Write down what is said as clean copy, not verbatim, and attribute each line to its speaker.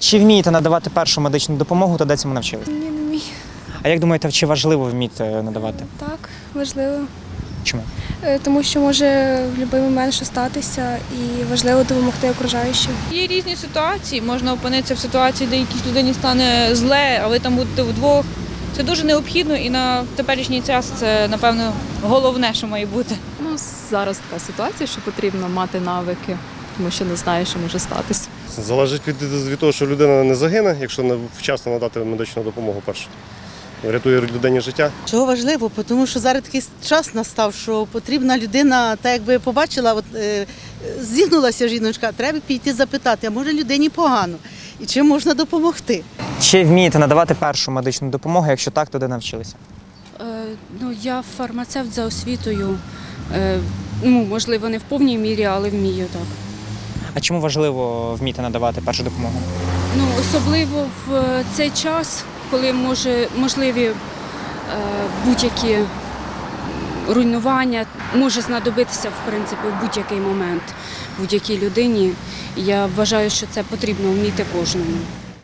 Speaker 1: Чи вмієте надавати першу медичну допомогу та де цьому навчились?
Speaker 2: Ні, не вмію.
Speaker 1: А як думаєте, чи важливо вміти надавати?
Speaker 2: Так, важливо.
Speaker 1: Чому?
Speaker 2: Тому що може в будь-який момент що статися і важливо допомогти окружаючим.
Speaker 3: Є різні ситуації, можна опинитися в ситуації, де якійсь людині стане зле, а ви там будете вдвох. Це дуже необхідно і на теперішній час це, напевно, головне, що має бути.
Speaker 4: Ну, зараз така ситуація, що потрібно мати навики, тому що не знаєш, що може статися.
Speaker 5: Залежить від того, що людина не загине, якщо не вчасно надати медичну допомогу першу. Рятує людині життя.
Speaker 6: Чого важливо? Тому що зараз такий час настав, що потрібна людина, так якби побачила, зігнулася жіночка, треба піти запитати, а може людині погано і чим можна допомогти.
Speaker 1: Чи вмієте надавати першу медичну допомогу? Якщо так, то де навчилися?
Speaker 7: Я фармацевт за освітою. Можливо, не в повній мірі, але вмію так.
Speaker 1: А чому важливо вміти надавати першу допомогу?
Speaker 7: Особливо в цей час, коли можливі будь-які руйнування, може знадобитися, в принципі, в будь-який момент будь-якій людині. Я вважаю, що це потрібно вміти кожному.